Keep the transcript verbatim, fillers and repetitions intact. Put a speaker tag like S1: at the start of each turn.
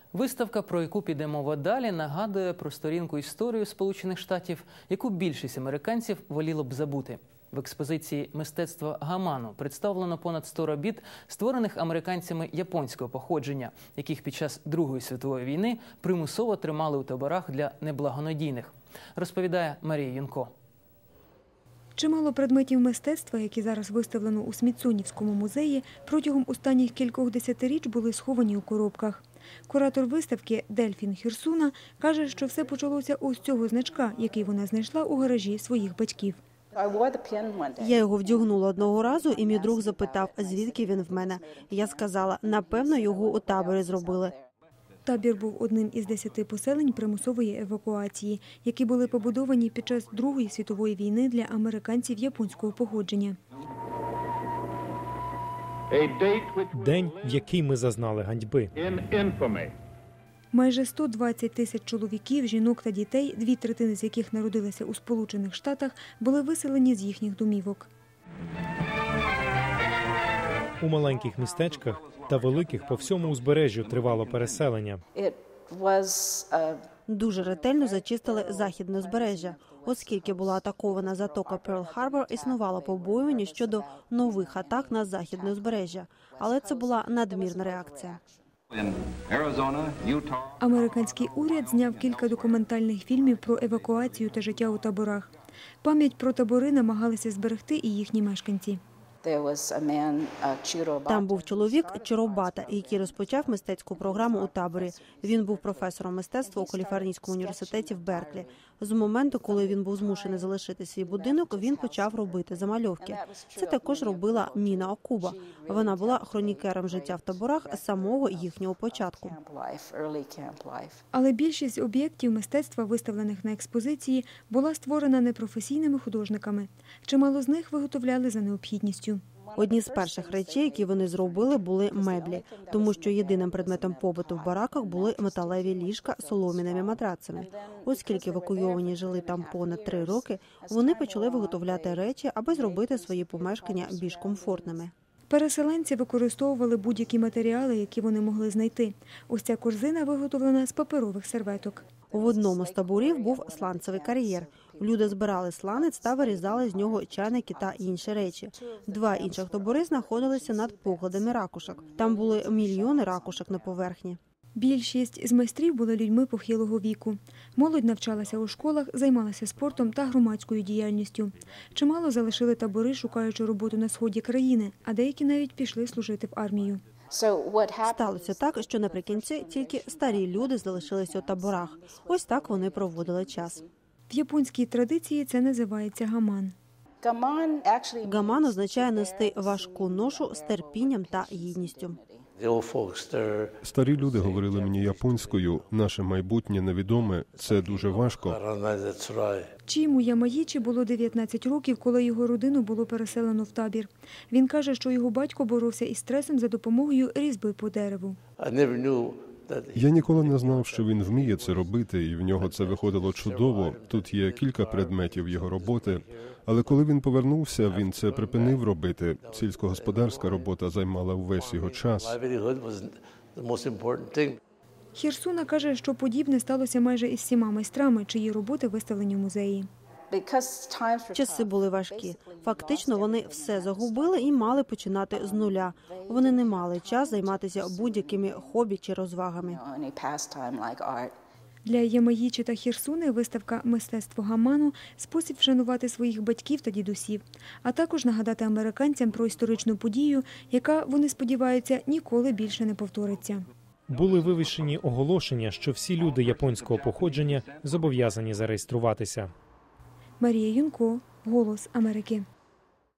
S1: Виставка, про яку піде мова далі, нагадує про сторінку історії Сполучених Штатів, яку більшість американців воліло б забути. В експозиції «Мистецтво Гаману» представлено понад сто робіт, створених американцями японського походження, яких під час Другої світової війни примусово тримали у таборах для неблагонадійних. Розповідає Марія Юнко.
S2: Чимало предметів мистецтва, які зараз виставлено у Смітсонівському музеї, протягом останніх кількох десятиріч були сховані у коробках. Куратор виставки Дельфін Хірсуна каже, що все почалося ось цього значка, який вона знайшла у гаражі своїх батьків.
S3: Я його вдягнула одного разу, і мій друг запитав, звідки він в мене. Я сказала, напевно, його у таборі зробили.
S2: Табір був одним із десяти поселень примусової евакуації, які були побудовані під час Другої світової війни для американців японського походження.
S4: День, в який ми зазнали ганьби.
S2: Майже сто двадцять тисяч чоловіків, жінок та дітей, дві третини з яких народилися у Сполучених Штатах, були виселені з їхніх домівок.
S4: У маленьких містечках та великих по всьому узбережжю тривало переселення.
S3: Дуже ретельно зачистили західне узбережжя. Оскільки була атакована затока Перл-Харбор, існувало побоювання щодо нових атак на західне узбережжя. Але це була надмірна реакція.
S2: Американський уряд зняв кілька документальних фільмів про евакуацію та життя у таборах. Пам'ять про табори намагалися зберегти і їхні мешканці.
S3: Там був чоловік Чиробата, який розпочав мистецьку програму у таборі. Він був професором мистецтва у Каліфорнійському університеті в Берклі. З моменту, коли він був змушений залишити свій будинок, він почав робити замальовки. Це також робила Ніна Окуба. Вона була хронікером життя в таборах з самого їхнього початку.
S2: Але більшість об'єктів мистецтва, виставлених на експозиції, була створена непрофесійними художниками. Чимало з них виготовляли за необхідністю.
S3: Одні з перших речей, які вони зробили, були меблі, тому що єдиним предметом побуту в бараках були металеві ліжка з солом'яними матрацами. Оскільки евакуйовані жили там понад три роки, вони почали виготовляти речі, аби зробити свої помешкання більш комфортними.
S2: Переселенці використовували будь-які матеріали, які вони могли знайти. Ось ця корзина виготовлена з паперових серветок.
S3: В одному з таборів був сланцевий кар'єр. Люди збирали сланець та вирізали з нього чайники та інші речі. Два інших табори знаходилися над покладами ракушок. Там були мільйони ракушок на поверхні.
S2: Більшість з майстрів були людьми похилого віку. Молодь навчалася у школах, займалася спортом та громадською діяльністю. Чимало залишили табори, шукаючи роботу на сході країни, а деякі навіть пішли служити в армію.
S3: Сталося так, що наприкінці тільки старі люди залишилися у таборах. Ось так вони проводили час.
S2: В японській традиції це називається гаман.
S3: Гаман означає нести важку ношу з терпінням та гідністю.
S5: Старі люди говорили мені японською, наше майбутнє невідоме, це дуже важко.
S2: Чіму Ямаїчі було дев'ятнадцять років, коли його родину було переселено в табір. Він каже, що його батько боровся із стресом за допомогою різьби по дереву.
S5: Я ніколи не знав, що він вміє це робити, і в нього це виходило чудово. Тут є кілька предметів його роботи. Але коли він повернувся, він це припинив робити. Сільськогосподарська робота займала увесь його час.
S2: Хірсуна каже, що подібне сталося майже із всіма майстрами, чиї роботи виставлені в музеї.
S3: Часи були важкі. Фактично, вони все загубили і мали починати з нуля. Вони не мали час займатися будь-якими хобі чи розвагами.
S2: Для Ямаїчі та Хірсуни виставка «Мистецтво Гаману» – спосіб вшанувати своїх батьків та дідусів, а також нагадати американцям про історичну подію, яка, вони сподіваються, ніколи більше не повториться.
S4: Були вивішені оголошення, що всі люди японського походження зобов'язані зареєструватися.
S2: Марія Юнко, «Голос Америки».